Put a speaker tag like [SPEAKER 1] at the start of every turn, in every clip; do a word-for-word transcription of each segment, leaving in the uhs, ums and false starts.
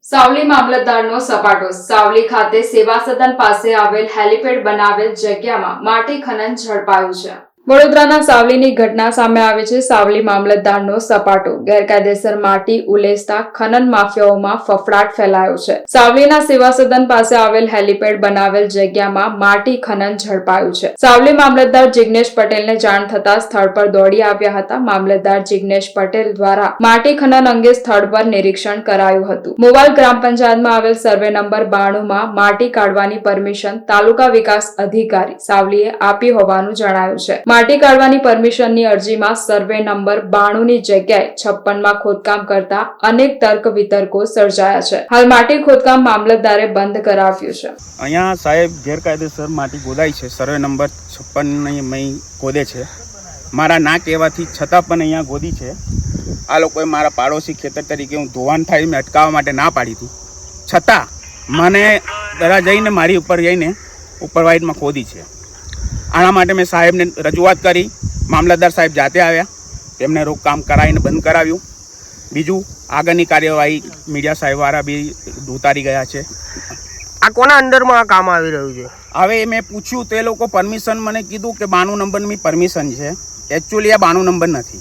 [SPEAKER 1] સાવલી મામલતદારનો સપાટો. સાવલી ખાતે સેવા સદન પાસે આવેલ હેલીપેડ બનાવેલ જગ્યામાં માટી ખનન ઝડપાયું છે. વડોદરાના સાવલીની ઘટના સામે આવી છે. સાવલી મામલતદારનો સપાટો. ગેરકાયદેસર માટી ઉલેચતા ખનન માફિયાઓમાં ફફડાટ ફેલાયો છે. સાવલીના સેવા સદન પાસે આવેલ હેલીપેડ બનાવેલ જગ્યામાં માટી ખનન ઝડપાયું છે. સાવલી મામલતદાર જિગ્નેશ પટેલને જાણ થતા સ્થળ પર દોડી આવ્યા હતા. મામલતદાર જિગ્નેશ પટેલ દ્વારા માટી ખનન અંગે સ્થળ પર નિરીક્ષણ કરાયું હતું. મોવાલ ગ્રામ પંચાયતમાં આવેલ સર્વે નંબર બાણું માં માટી કાઢવાની પરમિશન તાલુકા વિકાસ અધિકારી સાવલીએ આપી હોવાનું જણાયું છે. માટી કાઢવાની પરમિશનની અરજીમાં સર્વે નંબર બાણું ની જગ્યાએ છપ્પન માં ખોદકામ કરતા અનેક તર્ક વિતર્કો સર્જાયા છે. હાલ માટી ખોદકામ મામલતદારે બંધ કરાવ્યું છે.
[SPEAKER 2] અહીંયા સાહેબ ગેરકાયદેસર માટી ખોદાય છે. સર્વે નંબર છપ્પન ની ખોદે છે. મારા ના કહેવાથી છતાં પણ અહીંયા ખોદી છે. આ લોકોએ મારા પાડોશી ખેતર તરીકે હું ધોવાણ થાય મેં અટકાવવા માટે ના પાડી હતી, છતાં મને દરા જઈને મારી ઉપર જઈને ઉપરવાઇટમાં ખોદી છે. આના માટે મેં સાહેબને રજૂઆત કરી. મામલતદાર સાહેબ જાતે આવ્યા, તેમને રોકકામ કરાવીને બંધ કરાવ્યું. બીજું આગળની કાર્યવાહી મીડિયા સાહેબવાળા બી ઉતારી ગયા છે.
[SPEAKER 3] આ કોના અંડરમાં આ કામ આવી રહ્યું છે?
[SPEAKER 2] હવે મેં પૂછ્યું તો એ લોકો પરમિશન મને કીધું કે બાણું નંબરની પરમિશન છે. એકચ્યુઅલી આ બાણું નંબર નથી.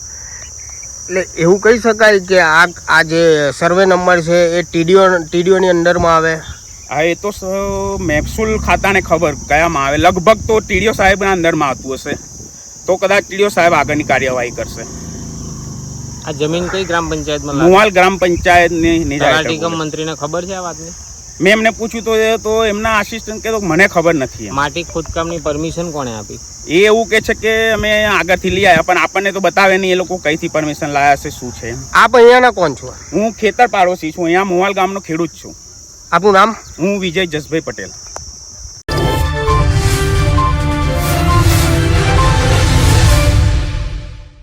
[SPEAKER 3] એટલે એવું કહી શકાય કે આ આ જે સર્વે નંબર છે એ ટીડીઓ ટીડીઓની અંડરમાં આવે?
[SPEAKER 2] હા, એ તો મહેસૂલ ખાતાને ખબર કયામાં આવે. લગભગ તો ટીડીઓ સાહેબના અંદરમાં આવતું હશે, તો કદાચ ટીડીઓ સાહેબ આગળની કાર્યવાહી કરશે.
[SPEAKER 4] આ જમીન કઈ ગ્રામ પંચાયતમાં?
[SPEAKER 2] મુવાલ ગ્રામ પંચાયતની
[SPEAKER 4] તલાટી મંત્રીને ખબર છે આ વાતની?
[SPEAKER 2] મેં એમને પૂછ્યું તો તો એમના આસિસ્ટન્ટ કે તો મને ખબર નથી.
[SPEAKER 4] માટી ખોદકામની પરમિશન કોણે આપી?
[SPEAKER 2] એ એવું કે છે કે અમે આગળથી લઈ આવ્યા, પણ આપણને તો બતાવે નહીં એ લોકો કઈથી પરમિશન લાયા છે, શું છે.
[SPEAKER 3] આપ અહીંયાના કોણ છો?
[SPEAKER 2] હું ખેતર પાડોશી છું. અહીંયા મુવાલ ગામનો ખેડૂત છું.
[SPEAKER 3] આપનું નામ?
[SPEAKER 2] હું વિજય જસભાઈ પટેલ.